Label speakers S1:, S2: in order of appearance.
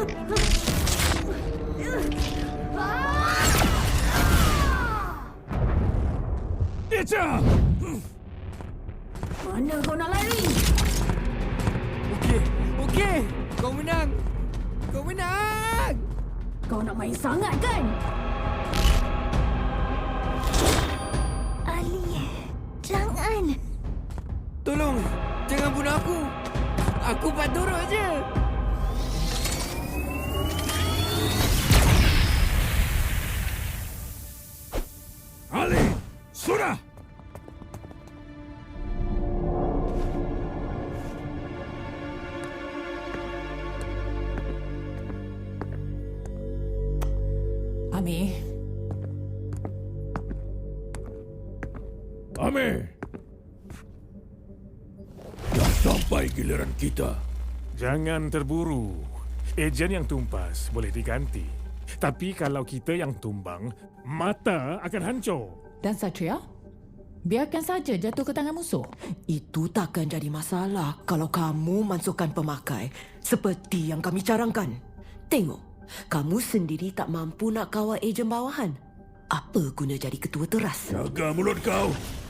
S1: Eja!
S2: Mana kau nak lari?
S3: Okey. Kau menang. Kau menang.
S2: Kau nak main sangat kan?
S4: Ali, jangan.
S3: Tolong, jangan bunuh aku. Aku buat turut je.
S1: Ali! Sudah!
S2: Amir,
S1: Amir! Dah sampai giliran kita.
S5: Jangan terburu. Ejen yang tumpas boleh diganti. Tapi kalau kita yang tumbang, mata akan hancur.
S6: Dan Satria? Biarkan saja jatuh ke tangan musuh.
S7: Itu takkan jadi masalah kalau kamu masukkan pemakai seperti yang kami carangkan. Tengok, kamu sendiri tak mampu nak kawal ejen bawahan. Apa guna jadi ketua teras?
S1: Jaga mulut kau.